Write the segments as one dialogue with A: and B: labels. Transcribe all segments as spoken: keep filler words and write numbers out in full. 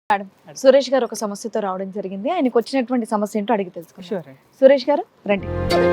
A: Madam, Suresh గారు ఒక సమస్యతో రావడం జరిగింది. ఆయనకు వచ్చినటువంటి సమస్య ఏంటో అడిగి తెలుసుకుందాం.
B: షూర్.
A: సురేష్ గారు రండి.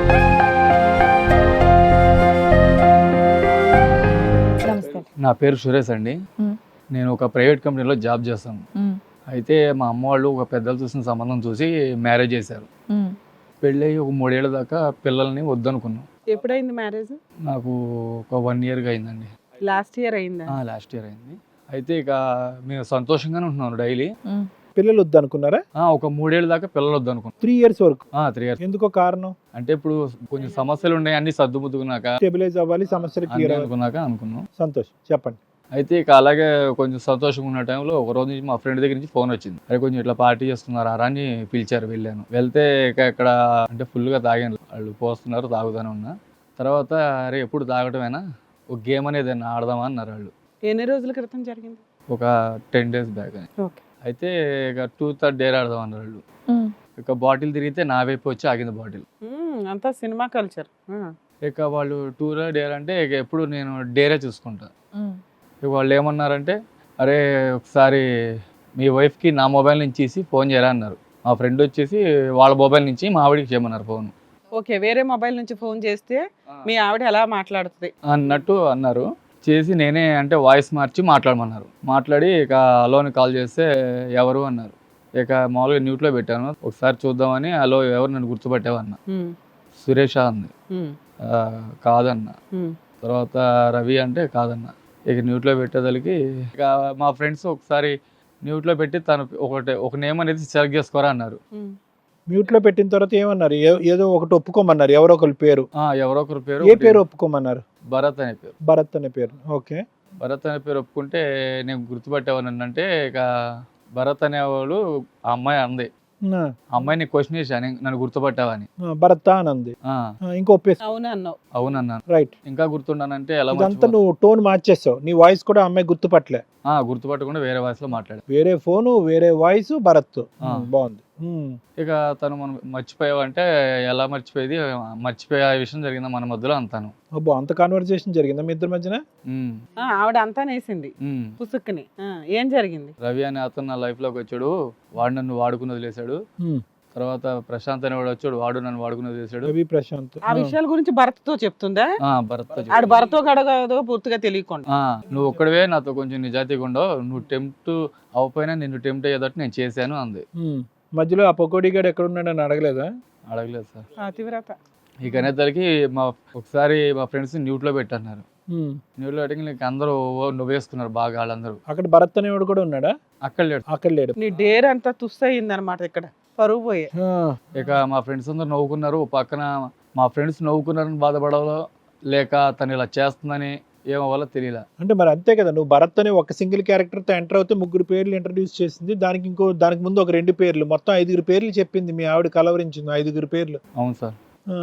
A: నమస్తే.
C: నా పేరు సురేష్ అండి.
A: మ్మ్.
C: నేను ఒక ప్రైవేట్ కంపెనీలో జాబ్ చేస్తాను.
A: మ్మ్.
C: అయితే మా అమ్మ వాళ్ళు ఒక పెద్దలు చూసిన సంబంధం చూసి మ్యారేజ్ చేశారు.
A: మ్మ్.
C: పెళ్ళి ఒక మూడేళ్ల దాకా పిల్లల్ని వద్దనుకున్నాం.
B: ఎప్పుడైంది మ్యారేజ్?
C: నాకు ఒక వన్ ఇయర్గా అయిందండి.
B: లాస్ట్ ఇయర్ అయిందా?
C: లాస్ట్ ఇయర్ అయింది. అయితే ఇక మేము సంతోషంగానే ఉంటున్నాను డైలీ.
A: మ్మ్.
D: పిల్లలు వద్దనుకున్నారా?
C: ఒక మూడేళ్ల దాకా పిల్లలు వద్దనుకున్నాం.
D: త్రీ ఇయర్స్ వరకు
C: త్రీ ఇయర్స్.
D: ఎందుకో కారణం
C: అంటే ఇప్పుడు కొంచెం సమస్యలు ఉన్నాయి, అన్ని సర్దుముద్దుకున్నాక
D: స్టెబిలైజ్ అవ్వాలి, సమస్యలు
C: అన్ని
D: క్లియర్ అవ్వాలి.
C: అనుకున్నాక అనుకున్నాం.
D: సంతోషం, చెప్పండి.
C: అయితే ఇక అలాగే కొంచెం సంతోషంగా ఉన్న టైంలో ఒక రోజు నుంచి మా ఫ్రెండ్ దగ్గర నుంచి ఫోన్ వచ్చింది. అరే కొంచెం ఇట్లా పార్టీ చేస్తున్నారు అరా అని పిలిచారు. వెళ్ళాను. వెళ్తే ఇక ఇక్కడ అంటే ఫుల్గా తాగాను. వాళ్ళు పోస్తున్నారు, తాగుతానే ఉన్నా. తర్వాత అరే ఎప్పుడు తాగటమేనా, ఒక గేమ్ అనేది ఆడదామా అన్నారు వాళ్ళు.
B: ఎన్ని రోజుల క్రితం జరిగింది?
C: ఒక టెన్ డేస్ బ్యాక్ అని.
B: ఓకే.
C: అయితే ఇక టూ థర్డ్ డేర్ ఆడదాం అన్నారు వాళ్ళు.
A: మ్మ్.
C: ఇక బాటిల్ తిరిగితే నా వైపు వచ్చి ఆగింది బాటిల్.
B: అంతా సినిమా కల్చర్.
C: ఇక వాళ్ళు టూ డేర్ అంటే ఇక ఎప్పుడు నేను డేరే చూసుకుంటా.
A: మ్మ్.
C: ఇక వాళ్ళు ఏమన్నారంటే అరే ఒకసారి మీ వైఫ్కి నా మొబైల్ నుంచి ఇచ్చి ఫోన్ చేయరా అన్నారు. మా ఫ్రెండ్ వచ్చేసి వాళ్ళ మొబైల్ నుంచి మా ఆవిడకి చేయమన్నారు ఫోన్.
B: ఓకే, వేరే మొబైల్ నుంచి ఫోన్ చేస్తే మీ ఆవిడ ఎలా మాట్లాడుతుంది
C: అన్నట్టు అన్నారు. చేసి నేనే అంటే వాయిస్ మార్చి మాట్లాడమన్నారు. మాట్లాడి ఇక అలోని కాల్ చేస్తే ఎవరు అన్నారు. ఇక మామూలుగా న్యూట్లో పెట్టాను. ఒకసారి చూద్దామని అలో ఎవరు నన్ను గుర్తుపట్టావన్న. సురేష అంది. "ఆ, కాదన్న." తర్వాత రవి అంటే కాదన్న. ఇక న్యూట్లో పెట్టేదానికి ఇక మా ఫ్రెండ్స్ ఒకసారి న్యూట్లో పెట్టి తను ఒకటి ఒక నేమ్ అనేది సెలెక్ట్ చేసుకోరా అన్నారు.
D: మ్యూట్ లో పెట్టిన తర్వాత ఏమన్నారు? ఏ- ఏదో ఒకటి ఒప్పుకోమన్నారు, ఎవరో ఒకరి పేరు.
C: ఆ, ఎవరో ఒకరి పేరు
D: ఏ పేరు ఒప్పుకోమన్నారు?
C: భరత్ అనే పేరు.
D: భరత్ అనే పేరు. ఓకే.
C: భరత్ అనే పేరు ఒప్పుకుంటే నేను గుర్తుపట్టేవాడిని. అంటే ఇక భరత్ అనేవాడు ఆ అమ్మాయి అంది.
D: ఆ,
C: ఆ అమ్మాయిని క్వశ్చన్ చేశాను, నన్ను గుర్తుపట్టావని.
D: ఆ, భరత్ అని అంది.
C: ఆ,
D: ఆ, ఇంకో ఒప్పేసి.
B: అవును అన్నావు.
C: అవునన్నాను.
D: రైట్.
C: ఇంకా గుర్తుండానంటే ఎలా
D: ఇదంతా
C: మర్చిపో-
D: నువ్వు టోన్ మార్చేసావు. నీ వాయిస్ కూడా అమ్మాయి గుర్తుపట్టలే.
C: ఆ, గుర్తుపట్టకుండా వేరే వాయిస్ లో మాట్లాడా.
D: వేరే ఫోను, వేరే వాయిస్, భరత్.
C: ఆ.
D: ఉమ్, బాగుంది. ఉమ్,
C: ఇక తను మనం మర్చిపోయావంటే ఎలా మర్చిపోయేది, మర్చిపోయే విషయం జరిగిందా మన మధ్యలో అంతాను.
D: అబ్బో, అంత కాన్వర్సేషన్ జరిగిందా మీ ఇద్దరి మధ్యన?
C: ఉమ్,
B: ఆ, ఆవిడ అంతా నేసింది
C: ఉమ్.
B: పుసుక్కుని. ఆ, ఏం జరిగింది?
C: రవి అనే అతను నా లైఫ్ లోకి వచ్చాడు. వాడు నన్ను వాడుకుని వదిలేశాడు.
D: ఉమ్,
C: తర్వాత ప్రశాంత్ అనేవాడు వచ్చాడు. వాడు నన్ను వాడుకుని వదిలేశాడు.
D: రవి, ప్రశాంత్.
B: ఆ విషయాల గురించి భరత్తో చెప్తుందా?
C: ఆ, భరత్తో చెప్పాడు.
B: ఆడు భరతో గడగదో పూర్తిగా తెలియకుండా.
C: ఆ, నువ్వు ఒక్కడివే నాతో కొంచెం నిజాయితీగా ఉండవు, నువ్వు టెంప్ట్ అవ్వపోయినా నిన్ను టెంప్ట్ అయ్యేటట్టు నేను చేశాను అంది.
D: ఉమ్, మధ్యలో ఆ పకోడీ గాడు ఎక్కడ ఉన్నాడని అడగలేదా?
C: అడగలేదు సార్.
B: అతివ్రత.
C: ఇక అనేసరికి మా ఒకసారి మా ఫ్రెండ్స్ న్యూట్లో పెట్టన్నారు.
D: ఉమ్,
C: న్యూట్లో పెట్టి నీకు అందరూ నవ్వేసుకున్నారు బాగా వాళ్ళందరూ.
D: అక్కడ భరత్ అనేవాడు కూడా ఉన్నాడా?
C: అక్కడ లేడు.
D: అక్కడ లేడు.
B: నీ డేర్ అంతా తుస్ అయింది అనమాట. ఇక్కడ పరువు పోయే.
D: ఆ,
C: ఇక మా ఫ్రెండ్స్ అందరూ నవ్వుకున్నారు. ఓ పక్కన మా ఫ్రెండ్స్ నవ్వుకున్నారని బాధపడవలో లేక తను ఇలా చేస్తుందని ఏమో వల్ల తెలియలే.
D: అంటే మరి అంతే కదా, నువ్వు భరత్ అనే ఒక సింగిల్ క్యారెక్టర్ తో ఎంటర్ అవుతే ముగ్గురు పేర్లు ఇంట్రడ్యూస్ చేసింది. దానికి ఇంకో దానికి ముందు ఒక రెండు పేర్లు, మొత్తం ఐదుగురు పేర్లు చెప్పింది. మీ ఆవిడ కలవరించింది ఐదుగురు పేర్లు.
C: అవును సార్.
D: ఆ,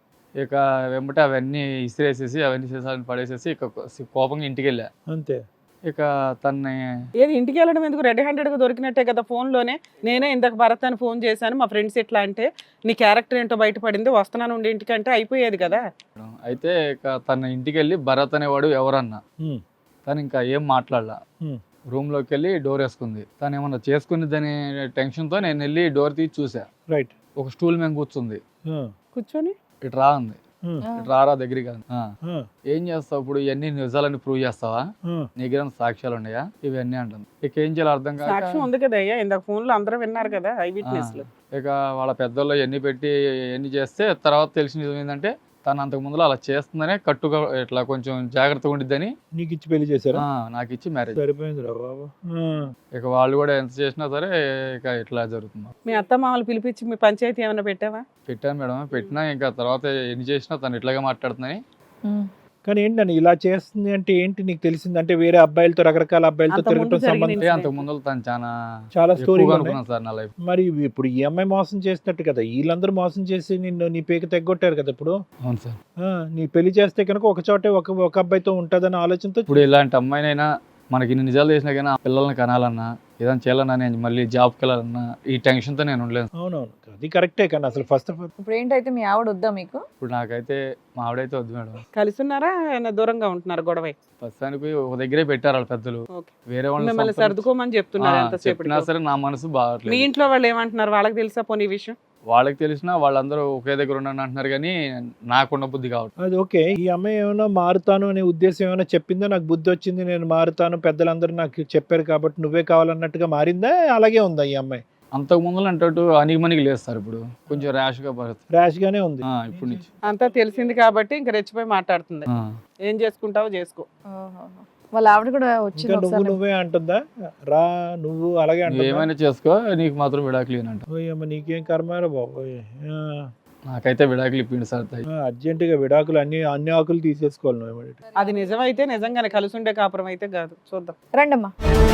C: ఇక వెంబటే అవన్నీ ఇసిరేసేసి అవన్నీ చేసాలని పడేసేసి ఇక కోపంగా ఇంటికి వెళ్ళా.
D: అంతే.
C: ఇక తన్ని
B: ఏది ఇంటికి వెళ్ళడం ఎందుకు? రెడ్ హ్యాండెడ్ గా దొరికినట్టే కదా ఫోన్ లోనే. నేనే ఇందాక భరత్ అని ఫోన్ చేశాను, మా ఫ్రెండ్స్ ఎట్లా అంటే నీ క్యారెక్టర్ ఏంటో బయటపడింది, వస్తున్నాను ఉండి ఇంటికి అంటే అయిపోయేది కదా.
C: అయితే ఇక తన ఇంటికి వెళ్ళి భరత్ అనేవాడు ఎవరన్నా.
D: ఉమ్,
C: తను ఇంకా ఏం మాట్లాడలా.
D: ఉమ్,
C: రూమ్ లోకి వెళ్ళి డోర్ వేసుకుంది. తను ఏమన్నా చేసుకునేదని టెన్షన్ తో నేను వెళ్ళి డోర్ తీసి చూసా.
D: రైట్.
C: ఒక స్టూల్ మీద కూర్చుంది.
D: ఆ,
B: కూర్చొని
C: ఇటు రా ఉంది.
D: ఉమ్,
C: ఇటు రారా దగ్గరికి కాదు. ఆ,
D: ఆ,
C: ఏం చేస్తావు ఇప్పుడు, ఇవన్నీ నిజాలని ప్రూవ్ చేస్తావా,
D: ఆ.
C: నీ దగ్గర సాక్ష్యాలు ఉన్నాయా, ఇవన్నీ అంటుంది. ఇక ఏం చేయాలి అర్థం కాక
B: సాక్ష్యం ఉంది కదా అయ్యా, ఇందాక ఫోన్ లో అందరూ విన్నారు కదా ఐ విట్నెస్ లు.
C: ఇక వాళ్ళ పెద్దల్లో ఎన్ని పెట్టి ఎన్ని చేస్తే తర్వాత తెలిసిన నిజం ఏంటంటే తను అంతకు ముందులో అలా చేస్తుందనే కట్టుగా ఇట్లా కొంచెం జాగ్రత్తగా ఉండిద్దని
D: నీకు ఇచ్చి పెళ్లి చేశారా?
C: ఆ, నాకు ఇచ్చి మ్యారేజ్.
D: సరిపోయింది రా బాబు. ఆ,
C: ఇక వాళ్ళు కూడా ఎంత చేసినా సరే ఇక ఇట్లా జరుగుతుంది.
B: మీ అత్త మామలు పిలిపించి మీ పంచాయతీ ఏమైనా పెట్టావా?
C: పెట్టాను మేడం. పెట్టినా ఇంకా తర్వాత ఎన్ని చేసినా తను ఇట్లాగే మాట్లాడుతుందని.
A: మ్మ్.
D: కానీ ఏంటని ఇలా చేస్తుంది అంటే ఏంటి నీకు తెలిసింది? అంటే వేరే అబ్బాయిలతో, రకరకాల అబ్బాయిలతో
B: అంతకు ముందు
D: తిరగటం
B: జరిగిన
D: సంబంధం
C: అంటే అంతకు ముందు తను చాలా
D: చాలా స్టోరీ
C: ఎక్కువగా అనుకున్నాను సార్ నా లైఫ్.
D: మరి ఇప్పుడు ఈ అమ్మాయి మోసం చేసినట్టు కదా, వీళ్ళందరూ మోసం చేసి నిన్ను నీ పేక తెగ్గొట్టారు కదా ఇప్పుడు.
C: అవును సార్.
D: ఆ, నీ పెళ్లి చేస్తే కనుక ఒక చోటే ఒక ఒక అబ్బాయితో ఉంటుందన్న ఆలోచనతో
C: ఇప్పుడు ఇలాంటి అమ్మాయినైనా మనకి ఇన్ని నిజాలు చేసినా కానీ ఆ పిల్లల్ని కనాలన్నా ఏదైనా చేయాలన్నా నేను మళ్ళీ జాబ్కి వెళ్ళాలన్నా ఈ టెన్షన్తో నేను ఉండలేను.
D: అవునవును, అది కరెక్టే. కానీ అసలు ఫస్ట్ ఆఫ్ ఆల్
A: ఇప్పుడు ఏంటైతే మీ ఆవిడ వద్దా మీకు?
C: ఇప్పుడు నాకైతే మా ఆవిడైతే వద్దు మేడం.
B: కలిసి ఉన్నారా ఏమైనా దూరంగా ఉంటున్నారు గొడవ?
C: ప్రస్తుతానికి ఒక దగ్గరే పెట్టారు వాళ్ళ పెద్దలు.
B: ఓకే.
C: వేరే
B: మిమ్మల్ని
C: వాళ్ళు
B: సర్దుకోమని చెప్తున్నారు ఎంతసేపు?
C: చెప్పినా సరే నా మనసు
B: మీ
C: బాగట్లేదు.
B: ఇంట్లో వాళ్ళు ఏమంటున్నారు? వాళ్ళకి తెలుసా పోనీ ఈ విషయం?
C: వాళ్ళకి తెలిసినా వాళ్ళందరూ ఒకే దగ్గర ఉన్నాను అంటున్నారు కానీ నాకున్న బుద్ధి కావట్లేదు.
D: అది ఓకే. ఈ అమ్మాయి ఏమైనా మారుతాను అనే ఉద్దేశం ఏమైనా చెప్పిందా? నాకు బుద్ధి వచ్చింది, నేను మారుతాను, పెద్దలందరూ నాకు చెప్పారు కాబట్టి నువ్వే కావాలన్నట్టుగా మారిందా? అలాగే ఉందా ఈ అమ్మాయి?
C: అంతకు ముందు అంటే అనిగిమనికి లేదు సార్, ఇప్పుడు కొంచెం ర్యాష్ గా పడుతుంది.
D: ర్యాష్ గానే ఉంది
C: ఇప్పుడు నుంచి
B: అంతా తెలిసింది కాబట్టి ఇంక రెచ్చిపోయి మాట్లాడుతుంది.
C: ఆ.
B: ఏం చేసుకుంటావో చేసుకో.
A: ఓహోహో. వాళ్ళ ఆవిడ కూడా వచ్చింది
D: ఇంకా నువ్వు
A: ఒకసారి.
D: నువ్వే అంటుందా? రా నువ్వు అలాగే
C: నువ్వు
D: అంటుందా?
C: ఏమైనా చేసుకో, నీకు మాత్రం విడాకులు అంట.
D: ఓయమ్మ, నీకేం కర్మారా బాబోయ్. ఆ,
C: నాకైతే విడాకులు ఇప్పిండి సార్.
D: ఆ, అర్జెంటుగా విడాకులు అన్ని అన్ని ఆకులు తీసేసుకోవాలి నువ్వు ఏమిటి.
B: అది నిజమైతే నిజంగానే కలిసి ఉండే కాపురం అయితే కాదు. చూద్దాం.
A: రండమ్మా.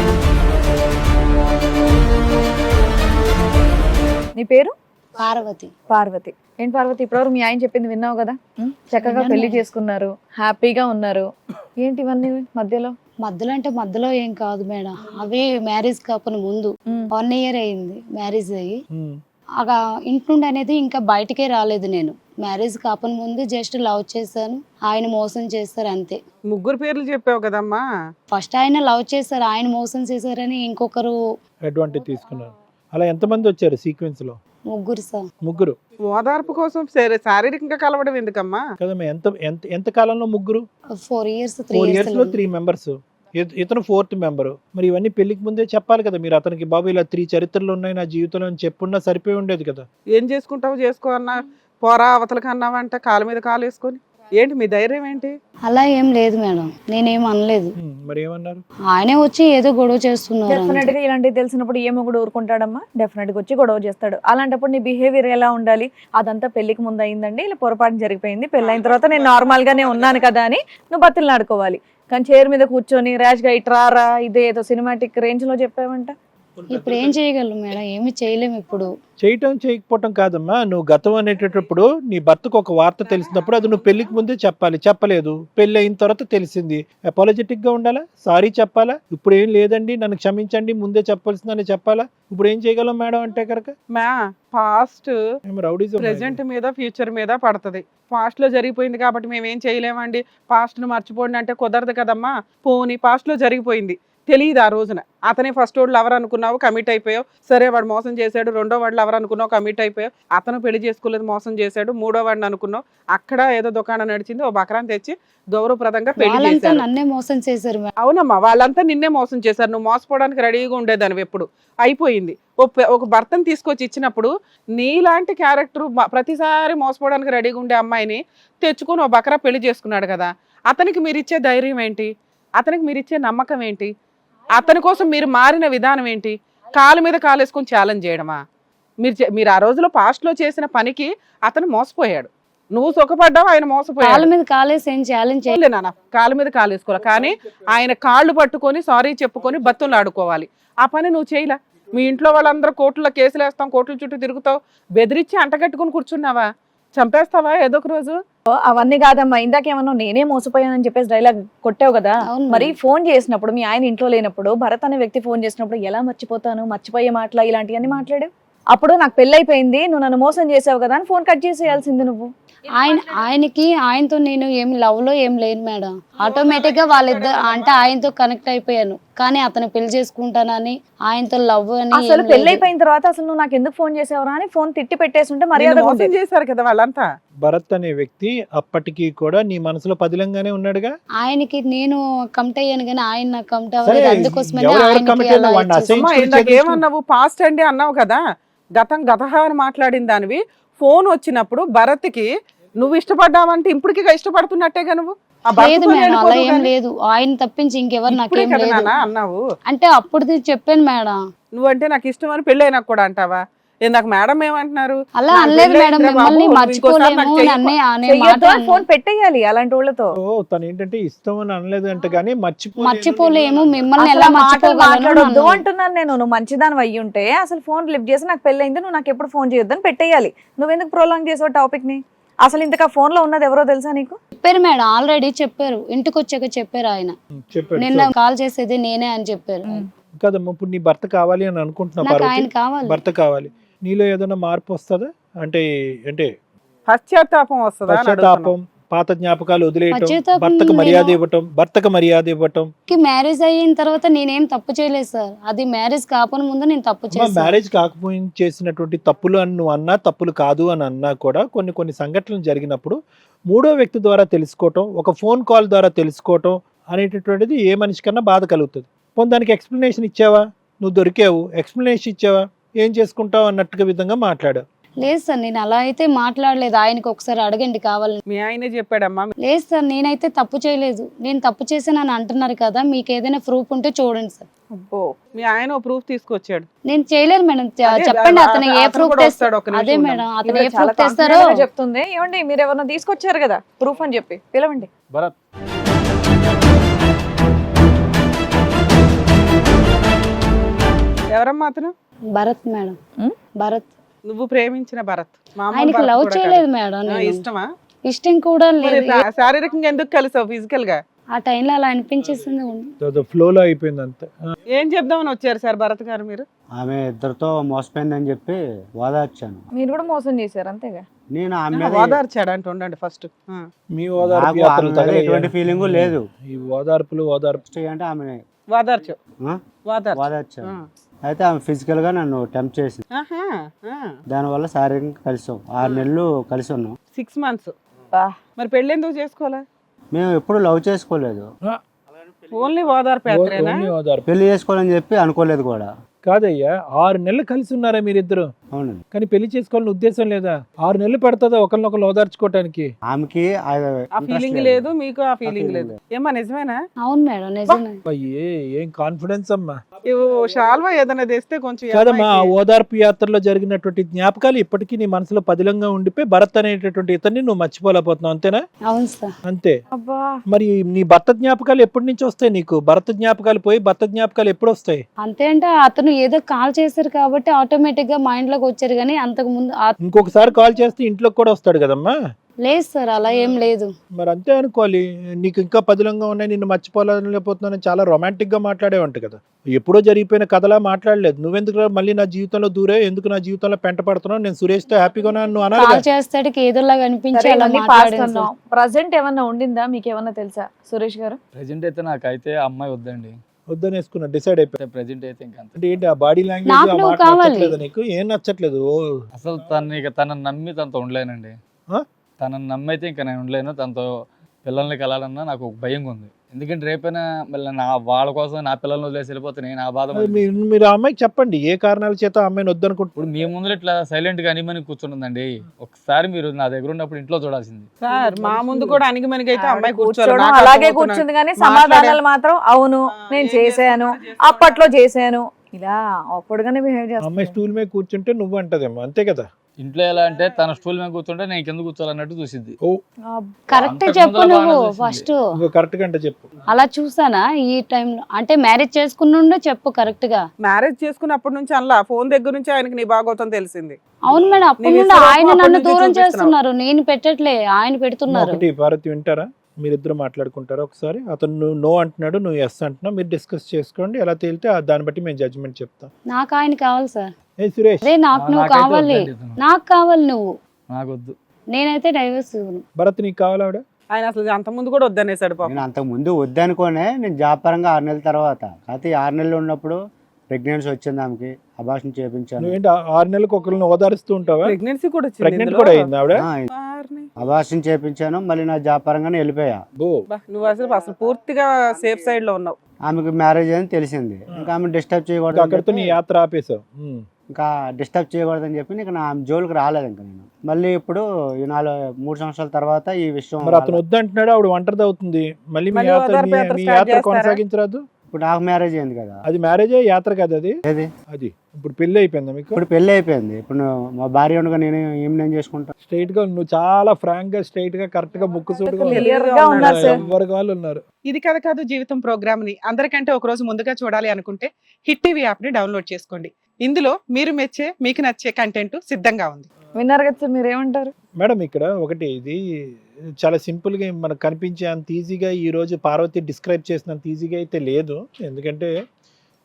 A: నీ పేరు?
E: పార్వతి.
A: పార్వతి. ఏంటి పార్వతి, ఇప్పటివరకు మీ ఆయన చెప్పింది విన్నావు కదా? ఉం? చక్కగా పెళ్లి చేసుకున్నారు, హ్యాపీగా ఉన్నారు. ఏంటి ఇవన్నీ మధ్యలో?
E: మధ్యలో అంటే మధ్యలో ఏం కాదు మేడం, అవి మ్యారేజ్ కాకుండా ముందు
A: ఉం.
E: వన్ ఇయర్ అయింది మ్యారేజ్ అయ్యి.
D: ఉమ్,
E: అక ఇంటి నుండి అనేది ఇంకా బయటకే రాలేదు నేను. మ్యారేజ్ కాకుండా ముందు జస్ట్ లవ్ చేశాను, ఆయన మోసం చేస్తారు అంతే.
B: ముగ్గురు పేర్లు చెప్పావు కదమ్మా.
E: ఫస్ట్ ఆయన లవ్ చేశారు, ఆయన మోసం చేశారని ఇంకొకరు
D: అడ్వాంటేజ్ తీసుకున్నారు. అలా ఎంతమంది వచ్చారు సీక్వెన్స్ లో?
E: ముగ్గురు సార్.
D: ముగ్గురు.
B: ఓదార్పు కోసం శారీ- శారీరకంగా కలవడం ఎందుకమ్మా?
D: కదమ్మా, ఎంత ఎంత ఎంత కాలంలో ముగ్గురు?
E: Four years three
D: four years లో
E: ఇయర్స్
D: త్రీ మెంబర్స్. ఇతను ఫోర్త్ మెంబర్. మరి ఇవన్నీ పెళ్లికి ముందే చెప్పాలి కదా మీరు అతనికి, బాబు ఇలా త్రీ చరిత్రలు ఉన్నాయి నా జీవితంలో అని చెప్పున్నా సరిపోయి ఉండేది కదా.
B: ఏం చేసుకుంటావు చేసుకో అన్నా, పోరా అవతలకి అన్నావంట కాలు మీద కాలు వేసుకొని. ఏంటి మీ ధైర్యం ఏంటి?
E: అలా ఏం లేదు మేడం, నేనేం అనలేదు.
D: ఉమ్, మరి ఏమన్నారు?
E: ఆయనే వచ్చి ఏదో గొడవ చేస్తున్నారు
A: డెఫినెట్
E: అంతే.
A: గా ఇలాంటివి తెలిసినప్పుడు ఏమో కూడా ఊరుకుంటాడమ్మా. డెఫినెట్ గా వచ్చి గొడవ చేస్తాడు. అలాంటప్పుడు నీ బిహేవియర్ ఎలా ఉండాలి? అదంతా పెళ్లికి ముందు అయిందండి, ఇలా పొరపాటు జరిగిపోయింది, పెళ్ళైన తర్వాత నేను నార్మల్ గానే ఉన్నాను కదా అని నువ్వు బతులు ఆడుకోవాలి. కానీ చైర్ మీద కూర్చొని ర్యాష్ గా ఇట్రారా ఇదే ఏదో సినిమాటిక్ రేంజ్ లో చెప్పావంట.
E: ఇప్పుడు ఏం చేయగలరు మేడం, ఏమి చేయలేము ఇప్పుడు.
D: చేయటం చేయకపోవటం కాదమ్మా, నువ్వు గతం అనేటప్పుడు నీ భర్తకు ఒక వార్త తెలిసినప్పుడు అది నువ్వు పెళ్లికి ముందే చెప్పాలి. చెప్పలేదు, పెళ్లి అయిన తర్వాత తెలిసింది, అపాలజెటిక్ గా ఉండాలా, సారీ చెప్పాలా. ఇప్పుడు ఏం లేదండి నన్ను క్షమించండి ముందే చెప్పాల్సిందని చెప్పాలా. ఇప్పుడు ఏం చేయగలం మేడం అంటే కనుక
B: మా పాస్ట్
D: రౌడీజం.
B: ప్రెసెంట్ మీద ఫ్యూచర్ మీద పడుతుంది. పాస్ట్ లో జరిగిపోయింది కాబట్టి మేము ఏం చేయలేమండి, పాస్ట్ ను మర్చిపోండి అంటే కుదరదు కదమ్మా. పోనీ పాస్ట్ లో జరిగిపోయింది, తెలియదు ఆ రోజున. అతనే ఫస్ట్ వాడు లవర్ అనుకున్నావు, కమిట్ అయిపోయావు. సరే వాడు మోసం చేశాడు. రెండో వాడు లవర్ అనుకున్నావు, కమిట్ అయిపోయావు. అతను పెళ్లి చేసుకోలేదు, మోసం చేశాడు. మూడో వాడిని అనుకున్నావు, అక్కడ ఏదో దుకాణం నడిచింది, ఓ బకరాన్ని తెచ్చి గౌరవప్రదంగా పెళ్లి
E: వాళ్ళంతా
B: చేశారు.
E: నన్నే మోసం చేశారు మేడం.
B: అవునమ్మా, వాళ్ళంతా నిన్నే మోసం చేశారు. నువ్వు మోసపోవడానికి రెడీగా ఉండేదానివి ఎప్పుడు. అయిపోయింది. ఓ పె- ఒక భర్తను తీసుకొచ్చి ఇచ్చినప్పుడు నీలాంటి క్యారెక్టర్ ప్రతిసారి మోసపోవడానికి రెడీగా ఉండే అమ్మాయిని తెచ్చుకొని ఓ బకరా పెళ్లి చేసుకున్నాడు కదా. అతనికి మీరు ఇచ్చే ధైర్యం ఏంటి? అతనికి మీరు ఇచ్చే నమ్మకం ఏంటి? అతని కోసం మీరు మారిన విధానం ఏంటి? కాలు మీద కాలు వేసుకొని ఛాలెంజ్ చేయడమా? మీరు చే- మీరు ఆ రోజులో పాస్ట్ లో చేసిన పనికి అతను మోసపోయాడు, నువ్వు సుఖపడ్డావు, ఆయన
E: కాళ్ళ
B: మోసపోయాడు.
E: మీద కాలేసి ఏం ఛాలెంజ్
B: చేయలే నాన్న, కాలు మీద కాలు వేసుకోవాలి. కానీ ఆయన కాళ్ళు పట్టుకొని సారీ చెప్పుకొని బతులు ఆడుకోవాలి. ఆ పని నువ్వు చేయలే. మీ ఇంట్లో వాళ్ళందరూ కోర్టులో కేసులు వేస్తాం, కోర్టుల చుట్టూ తిరుగుతావు, బెదిరించి అంటగట్టుకుని కూర్చున్నావా? చంపేస్తావా ఏదో ఒక రోజు?
A: ఓ, అవన్నీ కాదమ్మా. ఇందాకేమన్నా నేనే మోసపోయానని చెప్పేసి డైలాగ్ కొట్టావు కదా.
E: అవును
A: మరి ఫోన్ చేసినప్పుడు మీ ఆయన ఇంట్లో లేనప్పుడు భరత్ అనే వ్యక్తి ఫోన్ చేసినప్పుడు ఎలా మర్చిపోతాను, మర్చిపోయే మాటలా ఇలాంటివన్నీ మాట్లాడు. అప్పుడు నాకు పెళ్ళైపోయింది, నువ్వు నన్ను మోసం చేసావు కదా అని ఫోన్ కట్ చేసేయాల్సింది నువ్వు.
E: ఆయన ఆయనకి ఆయనతో నేను ఏం లవ్ లో ఏం లేను మేడం. ఆటోమేటిక్ గా వాళ్ళిద్దరు అంటే ఆయనతో కనెక్ట్ అయిపోయాను. కానీ అతను పెళ్లి చేసుకుంటానని ఆయనతో లవ్ అని ఏం
A: అసలు
E: లేదు.
A: పెళ్ళైపోయిన తర్వాత అసలు నువ్వు నాకు ఎందుకు ఫోన్ చేసావురా అని ఫోన్ తిట్టి పెట్టేస్తుంటే
B: నిన్ను
A: మర్యాద
B: మోసం చేశారు కదా వాళ్ళంతా.
D: భరత్ అనే వ్యక్తి అప్పటికి కూడా నీ మనసులో పదిలంగానే ఉన్నాడుగా.
E: ఆయనకి నేను కమిట్ అయ్యాను కానీ ఆయన నాకు కమిట్
D: సరే,
E: అవ్వలేదు. అందుకోసమని
D: ఎవరెవరు
E: ఆయనకి
D: commit
E: అలా
D: అయినా వాడిని
E: ఇచ్చేసాను.
B: అమ్మా, ఇందాక ఏమన్నావు? పాస్ట్ అండి అన్నావు కదా. గతం గతహ అని మాట్లాడిన దానివి ఫోన్ వచ్చినప్పుడు భరత్కి నువ్వు ఇష్టపడ్డావంటే ఇప్పటికి ఇష్టపడుతున్నట్టేగా నువ్వు. ఆ
E: లేదు
B: భర్తతో
E: మేడం, అలా
B: వెళ్ళిపోదు
E: ఏం
B: కానీ.
E: లేదు. ఆయన తప్పించి ఇంకెవరు
B: ఇప్పుడే
E: నాకేం
B: కదా
E: లేదు
B: నాన్న అన్నావు.
E: అంటే అప్పుడు చెప్పాను మేడం.
B: నువ్వంటే నాకు ఇష్టం అని పెళ్ళి అయినా కూడా అంటావా? ఏ నాకు మేడం ఏమంటున్నారు?
E: అలా
B: నాకు
E: అనలేదు
B: పెళ్ళి
E: మేడం,
B: అయిందిరా
E: మిమ్మల్ని
B: బాబు,
E: మర్చిపోలేము
B: ఇంకోసారి నాకు చెయ్యకు.
E: అనే అనే మాట
A: చెయ్యొద్దు అని
E: అన్నాను.
A: ఫోన్ పెట్టేయాలి అలాంటి వాళ్ళతో.
D: ఓ, తను ఏంటంటే ఇష్టం అని అనలేదు అంటే గానీ మర్చిపో
E: మర్చిపోలేము మిమ్మల్ని
A: అసలు
E: ఎలా
A: ఆ మాటలు
E: మర్చిపోగలను
A: మాట్లాడొద్దు
E: అన్నాను.
A: అంటున్నాను నేను. నువ్వు మంచిదాని అయ్యి ఉంటే అసలు ఫోన్ లిఫ్ట్ చేసి నాకు పెళ్ళైంది, నువ్వు నాకు ఎప్పుడు ఫోన్ చేయొద్దని పెట్టేయాలి. నువ్వెందుకు ప్రోలాంగ్ చేసావు టాపిక్ ని? అసలు ఇంతకా ఫోన్ లో ఉన్నది ఎవరో తెలుసా నీకు?
E: చెప్పారు మేడం, ఆల్రెడీ చెప్పారు. ఇంటికి వచ్చాక చెప్పారు ఆయన.
D: చెప్పాడు.
E: నిన్న కాల్ చేసేది నేనే అని చెప్పారు.
D: కదమ్మా, ఇప్పుడు నీ భర్త కావాలి అని అనుకుంటున్నావు
E: నాకు
D: పార్వతి,
E: ఆయన కావాలి.
D: భర్త కావాలి, నీలో ఏదైనా మార్పు వస్తుందా? అంటే అంటే
B: పశ్చాత్తాపం వస్తుందా అని
D: పశ్చాత్తాపం,
B: అడుగుతున్నా.
D: పాత జ్ఞాపకాలు వదిలేయటం,
E: పశ్చాత్తాపం
D: భర్తకు మర్యాద
E: నేను-
D: ఇవ్వటం, భర్తకు మర్యాద ఇవ్వటం.
E: మ్యారేజ్ అయిన తర్వాత నేనేం తప్పు చేయలేదు సార్. అది మ్యారేజ్ కాకుండా ముందు నేను తప్పు
D: అమ్మా,
E: చేశాను.
D: మ్యారేజ్ కాకపోయిన చేసినటువంటి తప్పులు అని నువ్వు అన్నా, తప్పులు కాదు అని అన్నా కూడా కొన్ని కొన్ని సంఘటనలు జరిగినప్పుడు మూడో వ్యక్తి ద్వారా తెలుసుకోవటం, ఒక ఫోన్ కాల్ ద్వారా తెలుసుకోవటం అనేటటువంటిది ఏ మనిషికన్నా బాధ కలుగుతుంది. పోనీ దానికి ఎక్స్ప్లెనేషన్ ఇచ్చావా? నువ్వు దొరికావు, ఎక్స్ప్లెనేషన్ ఇచ్చావా? ఏం చేసుకుంటావు అన్నట్టుగా విధంగా మాట్లాడావు.
E: లేదు సార్, నేను అలా అయితే మాట్లాడలేదు. ఆయనకి ఒకసారి అడగండి కావాలని.
B: మీ ఆయనే చెప్పాడమ్మా.
E: లేదు సార్, నేనైతే తప్పు చేయలేదు. నేను తప్పు చేశానని అంటున్నారు కదా, మీకు ఏదైనా ప్రూఫ్ ఉంటే చూడండి సార్.
A: అబ్బో.
B: మీ ఆయన ప్రూఫ్ తీసుకొచ్చాడు.
E: నేను చేయలేదు మేడం. చె-
B: అదే,
E: చెప్పండి
B: అతను
E: అతను ఏ
B: కూడా
E: ప్రూఫ్
B: వస్తాడు,
E: తెస్తాడు.
B: ఒక్క నిమిషం
E: అదే
B: ఉండండి.
E: మేడం, అతను
A: ఈవిడ
E: ఏ
A: చాలా
E: ప్రూఫ్ తెస్తారో.
A: confident గా చెప్తుంది. ఏమండి మీరు ఎవరన్నా తీసుకొచ్చారు కదా ప్రూఫ్ అని చెప్పి, పిలవండి.
C: భరత్
B: ఎవరమ్మా అతను?
E: భరత్ మేడం.
A: ఉమ్?
E: భరత్.
B: నువ్వు ప్రేమించిన భరత్. మామూలు
E: ఆయనకి
B: భరత్
E: లవ్
B: కూడా
E: చేయలేదు
B: కాదు.
E: మేడం.
B: ఆ,
E: నేను
B: ఇష్టమా?
E: ఇష్టం కూడా
B: మరి
E: లేదు.
B: శా- శారీరకంగా ఎందుకు కలిసావు ఫిజికల్ గా?
E: ఆ టైంలో అలా అనిపించేసింది.
D: ఫ్లోలో అయిపోయింది అంతే. ఆ.
B: ఏం చెప్దామని వచ్చారు సార్ భరత్ గారు మీరు?
F: ఆమె ఇద్దరితో మోసపోయిందని చెప్పి ఓదార్చాను.
A: మీరు కూడా మోసం చేశారు అంతేగా.
F: నేను ఆమె మీద
B: ఓదార్చాడు అంటే ఉండండి ఫస్ట్.
D: మీ ఓదార్పు
F: నాకు
D: యాత్రలు
F: ఆమె మీద
D: తగలయ్యా?
F: ఎటువంటి ఫీలింగ్ లేదు.
D: ఈ ఓదార్పులు ఓదార్పు
F: ఫస్ట్ అంటే ఆమె
B: ఓదార్చు ఓదార్చు.
F: ఓదార్చాను.
B: ఆ.
F: అయితే ఆమె ఫిజికల్ గా నన్ను టెంప్ట్ చేసింది.
B: ఆహా, ఆ.
F: దానివల్ల శారీరకంగా కలిసాం. ఆరు నెలలు కలిసి ఉన్నాం.
B: Six months.
A: బా.
B: మరి పెళ్లి ఎందుకు చేసుకోవాలా?
F: మేము ఎప్పుడు లవ్ చేసుకోలేదు.
B: ఓన్లీ ఓదార్పు యాత్రేనా?
D: ఓన్లీ ఓదార్పు
F: పెళ్లి చేసుకోవాలని చెప్పి అనుకోలేదు కూడా.
D: కాదయ్యా, ఆరు నెలలు కలిసి ఉన్నారా మీరిద్దరు?
F: అవునండి.
D: కానీ పెళ్లి చేసుకోవాలని ఉద్దేశం లేదా? ఆరు నెలలు పడుతుందా ఒకరినొకరు ఓదార్చుకోవటానికి?
F: ఆమెకి ఆ
B: ఆ
F: interest
B: ఫీలింగ్ లేదు, మీకు ఆ ఫీలింగ్
F: feeling
B: లేదు. ఏమ్మా నిజమేనా?
E: అవును మేడం, నిజమే.
D: అయ్యే, ఏం కాన్ఫిడెన్స్ అమ్మా.
B: ఇవ్వు, షాల్వా ఏదైనా తెస్తే కొంచెం ఈ
D: కాదమ్మా, ఆ
B: అమ్మాయికి-
D: ఓదార్పు యాత్రలో జరిగినటువంటి జ్ఞాపకాలు ఇప్పటికీ నీ మనసులో పదిలంగా ఉండిపోయి భరత్ అనేటటువంటి ఇతన్ని నువ్వు మర్చిపోలేకపోతున్నావు, అంతేనా?
E: అవును సార్.
D: అంతే.
A: అబ్బా.
D: మరి నీ భర్త జ్ఞాపకాలు ఎప్పటి నుంచి వస్తాయి నీకు? భర్త జ్ఞాపకాలు పోయి భర్త జ్ఞాపకాలు ఎప్పుడు వస్తాయి?
E: అంతే అంటే అతను ఏదో కాల్ చేశారు కాబట్టి ఆటోమేటిక్ గా మైండ్ లోకి వచ్చారు. కానీ అంతకు ముందు ఆ-
D: ఇంకొకసారి కాల్ చేస్తే ఇంట్లోకి కూడా వస్తాడు కదమ్మా.
E: లేదు సార్, అలా ఏం లేదు.
D: మరి అంతే అనుకోవాలి. నీకు ఇంకా పదిలంగా ఉన్నాయి, నిన్ను మర్చిపోలేకపోతున్నాను, చాలా రొమాంటిక్ గా మాట్లాడేవంట కదా. ఎప్పుడో జరిగిపోయిన కథలా మాట్లాడలేదు. నువ్వెందుకు మళ్ళీ నా జీవితంలో దూరే, ఎందుకు నా జీవితంలో పెంట పడుతున్నావు, నేను సురేష్ తో హ్యాపీగా ఉన్నాను నువ్వు అనాలి
E: కాల్
D: కదా.
E: చేస్తాడికి ఏదోలాగా అనిపించి
A: సరే,
E: అలా
A: ఇవన్నీ
E: మాట్లాడాను
A: past అన్నాం.
E: సార్.
A: ప్రజెంట్ ఏమన్నా ఉండిందా మీకు ఏమన్నా తెలుసా సురేష్ గారు?
C: ప్రజెంట్ అయితే నాకైతే ఆ అమ్మాయి వద్దండి.
D: వద్దని వేసుకున్నా, డిసైడ్ అయిపోయి.
C: ప్రజెంట్ అయితే ఇంకా అంతే.
D: అంటే ఏంటి ఆ బాడీ లాంగ్వేజ్,
E: నాకు
D: ఆ
E: నువ్వు
D: మాట
E: కావాలి.
D: నచ్చట్లేదా నీకు? ఏం నచ్చట్లేదు? ఓ,
C: అసలు తను ఇక తనని నమ్మి తనతో ఉండలేనండి.
D: ఆ?
C: తనని నమ్మైతే ఇంకా నేను ఉండలేను. తనతో పిల్లల్ని కలాలన్నా నాకు ఒక భయంగా ఉంది. ఎందుకంటే రేపైనా మళ్ళీ నా వాళ్ళ కోసం నా పిల్లల్ని వదిలేసి వెళ్ళిపోతే నేను ఆ బాధ పడి-
D: మీరు మీరు ఆ అమ్మాయికి చెప్పండి ఏ కారణాల చేత ఆ అమ్మాయిని వద్దనుకుంటున్నారు.
C: ఇప్పుడు మీ ముందు ఇట్లా సైలెంట్ గా అనిమని కూర్చుంటుందండి. ఒకసారి మీరు నా దగ్గర ఉన్నప్పుడు ఇంట్లో చూడాల్సింది.
B: సార్ మా ముందు కూడా అణిగిమణిగి అయితే
A: ఆవిడ
B: అమ్మాయి
A: కూర్చోవడం
B: కూర్చోవడం నాకు
A: అలాగే
B: అర్థమవుతున్నది.
A: కూర్చుంది కానీ
B: మాట్లాడే-
A: సమాధానాలు మాత్రం అవును
B: ఆ,
A: నేను
B: ఏం
A: చేశాను,
B: చేస్తానో
A: అప్పట్లో చేశాను, ఇలా అప్పుడుగానే బిహేవ్
D: ఆ అమ్మాయి
A: చేస్తాను.
D: స్టూల్ మీద కూర్చుంటే నువ్వు అంటదేమో, అంతే కదా.
C: ఇంట్లో ఎలా అంటే తన స్టూల్ మీద కూర్చుంటే నేను కింద కూర్చోాలన్నట్టు చూసిద్ది.
D: ఓ,
E: కరెక్ట్
C: అంతకు
E: చెప్పు
C: ముందర
E: నువ్వు
C: బాగానే చేసింది.
E: ఫస్ట్.
D: ఇంకో కరెక్ట్ గంట చెప్పు.
E: అలా చూసానా ఈ టైంలో? అంటే మ్యారేజ్ చేసుకున్నుండే చెప్పు కరెక్ట్ గా.
B: మ్యారేజ్ చేసుకున్నప్పటి నుంచి అలా ఫోన్ దగ్గర నుంచి ఆయనకి నీ బాగోతం తెలిసింది.
E: అవును మేడం, అప్పటి
B: నీ
E: నుండి
B: విశ్వరూపం
E: ఆయన
B: అప్పటి
E: నన్ను
B: నుంచి
E: దూరం
B: చూపిస్తున్నావు.
E: చేస్తున్నారు. నేను పెట్టట్లే, ఆయన పెడుతున్నారు.
D: ఒకటి భారతి వింటారా? మీరిద్దరు మాట్లాడుకుంటారా ఒకసారి? అతను నువ్వు నో అంటున్నాడు, నువ్వు ఎస్ అంటున్నావు, మీరు డిస్కస్ చేసుకోండి. ఎలా తేలితే ఆ దాన్ని బట్టి మేము జడ్జ్మెంట్ చెప్తాం.
E: నాకు ఆయన కావాలి సార్.
D: ఏ సురేష్,
E: అదే నాకు నువ్వు
C: నాకైతే
E: కావాలి,
C: వద్దండి ఇతను.
E: నాకు కావాలి నువ్వు.
C: నాకొద్దు.
E: నేనైతే డైవర్స్ ఇవ్వను.
D: భరత్ నీకు కావాలా ఆవిడ?
B: ఆయన అసలు అంత ముందు కూడా వద్దనేసాడు పాపం.
F: నేను అంతకు ముందు వద్దనుకోనే నేను జాబ్ పరంగా ఆరు నెలల తర్వాత, అయితే ఈ ఆరు నెలలు ఉన్నప్పుడు ప్రెగ్నెన్సీ వచ్చింది. ఆమెకి అబార్షన్ చేయించాను.
D: నువ్వేంటి ఆ- ఆరు నెలలకు ఒకరిని ఓదారుస్తూ ఉంటావా?
B: ప్రెగ్నెన్సీ కూడా వచ్చింది
D: ప్రెగ్నెంట్
B: ఇందులో.
D: కూడా అయింది ఆవిడ?
F: ఆ,
B: వారిని.
F: అబార్షన్ చేయించాను. మళ్ళీ నా జాబ్ పరంగానే వెళ్ళిపోయా.
D: బో,
B: బా, నువ్వు అసలు అసలు పూర్తిగా సేఫ్ సైడ్ లో ఉన్నావు.
F: ఆమెకి మ్యారేజ్ అని తెలిసింది. ఇంకా ఆమె డిస్టర్బ్ చేయకూడదు
D: అక్కడితో నీ
F: అని చెప్పి-
D: యాత్ర ఆపేశావు. ఉమ్.
F: ఇంకా డిస్టర్బ్ చేయకూడదని చెప్పి ఇంకా నా జోలికి రాలేదు. ఇంకా నేను మళ్ళీ ఇప్పుడు ఈ నాలుగు మూడు సంవత్సరాల తర్వాత ఈ విషయం
D: మరి అతను వద్దంటున్నాడు, ఆవిడ ఒంటరిది అవుతుంది. మళ్ళీ మీ
B: మళ్ళీ
D: యాత్ర
B: ఓదార్పు
D: మీ-
B: యాత్ర
D: మీ
B: start
D: యాత్ర
B: చేస్తారా?
D: కొనసాగించరాదు?
F: ఇప్పుడు నాకు మ్యారేజ్ అయింది కదా.
D: అది మ్యారేజే, యాత్ర కదా అది.
F: ఏది
D: అది ఇప్పుడు పెళ్లి అయిపోయిందా మీకు?
F: ఇప్పుడు పెళ్లి అయిపోయింది. ఇప్పుడు నువ్వు మా భార్య ఉండగా నేను ఏం నేను చేసుకుంటా.
D: స్ట్రైట్ గా నువ్వు చాలా ఫ్రాంక్ గా, స్ట్రైట్ గా, కరెక్ట్ గా, ముక్కు సూటుగా
A: క్లియర్ గా ఉన్నారు సార్.
D: ఎవరి వాళ్ళు ఉన్నారు.
B: ఇది కథ కాదు జీవితం ప్రోగ్రామ్ ని అందరికంటే ఒక రోజు ముందుగా చూడాలి అనుకుంటే హిట్ టీవీ యాప్ ని డౌన్లోడ్ చేసుకోండి. ఇందులో మీరు మెచ్చే మీకు నచ్చే కంటెంట్ సిద్ధంగా ఉంది.
A: విన్నారు కదా సార్, మీరు ఏమంటారు?
D: మేడం ఇక్కడ ఒకటి, ఇది చాలా సింపుల్ గా మనకు కనిపించే అంత ఈజీగా ఈ రోజు పార్వతి డిస్క్రైబ్ చేసినంత ఈజీగా అయితే లేదు. ఎందుకంటే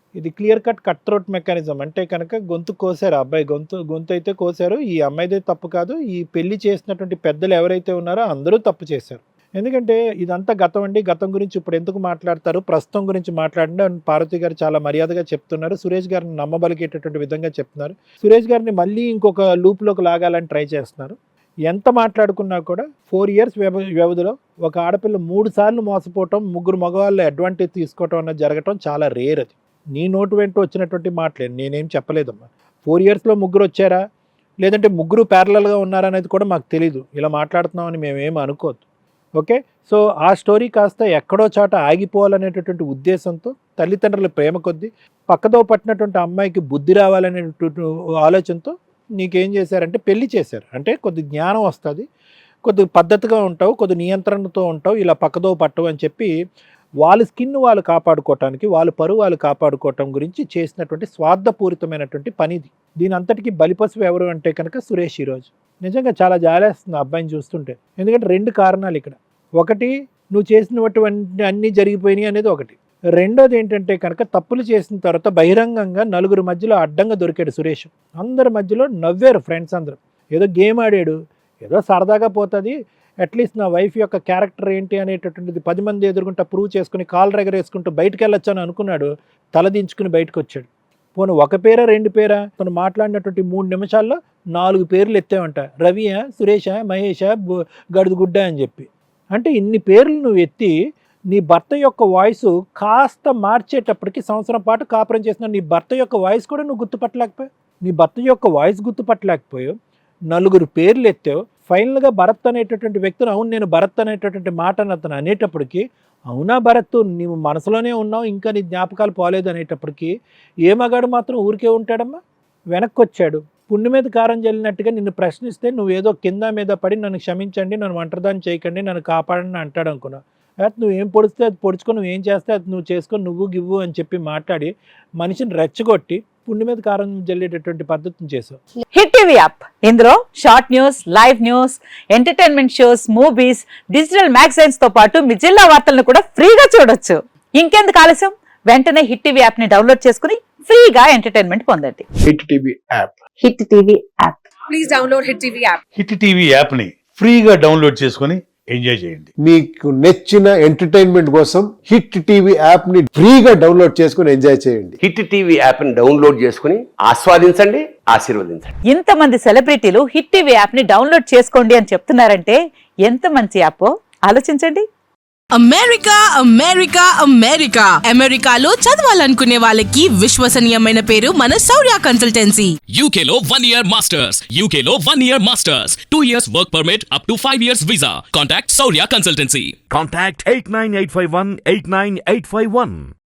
D: ఇది clear cut cut throat mechanism. అంటే కనుక గొంతు కోసారు, అబ్బాయి గొంతు గొంతు అయితే కోసారు. ఈ అమ్మాయిదే తప్పు కాదు, ఈ పెళ్లి చేసినటువంటి పెద్దలు ఎవరైతే ఉన్నారో అందరూ తప్పు చేశారు. ఎందుకంటే ఇదంతా గతం అండి, గతం గురించి ఇప్పుడు ఎందుకు మాట్లాడతారు, ప్రస్తుతం గురించి మాట్లాడండి అని పార్వతి గారు చాలా మర్యాదగా చెప్తున్నారు. సురేష్ గారిని నమ్మబలిగేటటువంటి విధంగా చెప్తున్నారు. సురేష్ గారిని మళ్ళీ ఇంకొక లూప్లోకి లాగాలని ట్రై చేస్తున్నారు. ఎంత మాట్లాడుకున్నా కూడా ఫోర్ ఇయర్స్ వ్యవ వ్యవధిలో ఒక ఆడపిల్ల మూడు సార్లు మోసపోవటం, ముగ్గురు మగవాళ్ళు అడ్వాంటేజ్ తీసుకోవటం అన్నది జరగటం చాలా రేర్. అది నీ నోటు వెంట వచ్చినటువంటి మాటలేదు, నేనేం చెప్పలేదమ్మా. ఫోర్ ఇయర్స్లో ముగ్గురు వచ్చారా లేదంటే ముగ్గురు ప్యారలల్గా ఉన్నారా అనేది కూడా మాకు తెలీదు. ఇలా మాట్లాడుతున్నామని మేమేం అనుకోవద్దు. ఓకే, సో ఆ స్టోరీ కాస్త ఎక్కడో చోట ఆగిపోవాలనేటటువంటి ఉద్దేశంతో తల్లిదండ్రుల ప్రేమ కొద్దీ పక్కదో పట్టినటువంటి అమ్మాయికి బుద్ధి రావాలనేటువంటి ఆలోచనతో నీకేం చేశారంటే పెళ్లి చేశారు. అంటే కొద్ది జ్ఞానం వస్తుంది, కొద్ది పద్ధతిగా ఉంటావు, కొద్ది నియంత్రణతో ఉంటావు, ఇలా పక్కదో పట్టవు అని చెప్పి వాళ్ళ స్కిన్ వాళ్ళు కాపాడుకోవటానికి, వాళ్ళ పరువు వాళ్ళు కాపాడుకోవటం గురించి చేసినటువంటి స్వార్థపూరితమైనటువంటి పనిది. దీని అంతటికీ బలిపశువు ఎవరు అంటే కనుక సురేష్. ఈరోజు నిజంగా చాలా జాలేస్తుంది ఆ అబ్బాయిని చూస్తుంటే. ఎందుకంటే రెండు కారణాలు ఇక్కడ. ఒకటి, నువ్వు చేసినటువంటి అన్నీ జరిగిపోయినాయి అనేది ఒకటి. రెండోది ఏంటంటే కనుక తప్పులు చేసిన తర్వాత బహిరంగంగా నలుగురు మధ్యలో అడ్డంగా దొరికాడు సురేష్. అందరి మధ్యలో నవ్వారు ఫ్రెండ్స్ అందరూ. ఏదో గేమ్ ఆడాడు, ఏదో సరదాగా పోతుంది, అట్లీస్ట్ నా వైఫ్ యొక్క క్యారెక్టర్ ఏంటి అనేటటువంటిది పది మంది ఎదుర్కొంటూ ప్రూవ్ చేసుకుని కాల్ రెగరేసుకుంటూ బయటకు వెళ్ళొచ్చు అని అనుకున్నాడు. తలదించుకుని బయటకు వచ్చాడు. పోను ఒక పేరా రెండు పేరా, తను మాట్లాడినటువంటి మూడు నిమిషాల్లో నాలుగు పేర్లు ఎత్తావంట. రవియా, సురేషా, మహేషా, గడుదుగుడ్డ అని చెప్పి. అంటే ఇన్ని పేర్లు నువ్వు ఎత్తి నీ భర్త యొక్క వాయిస్ కాస్త మార్చేటప్పటికి సంవత్సరం పాటు కాపురం చేసిన నీ భర్త యొక్క వాయిస్ కూడా నువ్వు గుర్తుపట్టలేకపోయావు. నీ భర్త యొక్క వాయిస్ గుర్తుపట్టలేకపోయావు, నలుగురు పేర్లు ఎత్తావు. ఫైనల్గా భరత్ అనేటటువంటి వ్యక్తిని, అవును నేను భరత్ అనేటటువంటి మాటను అతను అనేటప్పటికీ, అవునా భరత్ నీవు మనసులోనే ఉన్నావు, ఇంకా నీ జ్ఞాపకాలు పోలేదు అనేటప్పటికీ ఏ మగాడు మాత్రం ఊరికే ఉంటాడమ్మా? వెనక్కి వచ్చాడు. పుండి మీద కారం జల్లినట్టుగా నిన్ను ప్రశ్నిస్తే నువ్వేదో కింద మీద పడి నన్ను క్షమించండి, నన్ను ఒంటరిదాన్ని చేయకండి, నన్ను కాపాడండి అంటాడు అనుకున్నావు. అయితే నువ్వు ఏం పొడిస్తే అది పొడుచుకొని, నువ్వు ఏం చేస్తే అది నువ్వు చేసుకొని, నువ్వు గివ్వు అని చెప్పి మాట్లాడి మనిషిని రెచ్చగొట్టి పుండి మీద కారం జల్లేటటువంటి పద్ధతిని చేసావు.
G: హిట్ టీవీ యాప్, ఇందులో short news, live news, entertainment shows, movies, digital magazines తో పాటు మీ జిల్లా వార్తలను కూడా ఫ్రీగా చూడొచ్చు. ఇంకెందుకు ఆలస్యం, వెంటనే హిట్ టీవీ యాప్ ని డౌన్లోడ్ చేసుకుని ఫ్రీగా ఎంటర్టైన్మెంట్ పొందండి.
H: Hit TV app,
G: Hit TV app,
I: please download Hit TV app.
H: Hit TV app ని ఫ్రీగా డౌన్లోడ్ చేసుకొని ఎంజాయ్ చేయండి.
J: మీకు నచ్చిన ఎంటర్టైన్మెంట్ కోసం హిట్ టీవీ యాప్ ని ఫ్రీగా డౌన్లోడ్ చేసుకుని ఎంజాయ్ చేయండి.
K: హిట్ టీవీ యాప్ ని డౌన్లోడ్ చేసుకుని ఆస్వాదించండి, ఆశీర్వదించండి.
G: ఇంతమంది సెలబ్రిటీలు హిట్ టీవీ యాప్ ని డౌన్లోడ్ చేసుకోండి అని చెప్తున్నారంటే ఎంత మంచి యాప్ ఆలోచించండి.
I: అమెరికా అమెరికా అమెరికా అమెరికాలో చదవాలనుకునే వాళ్ళకి విశ్వసనీయమైన పేరు మన శౌర్య కన్సల్టెన్సీ.
L: యూకేలో వన్ ఇయర్ మాస్టర్స్, యూకేలో one year masters, two years work permit up to five years visa. Contact Shaurya consultancy.
M: Contact eight nine eight five one eight nine eight five one.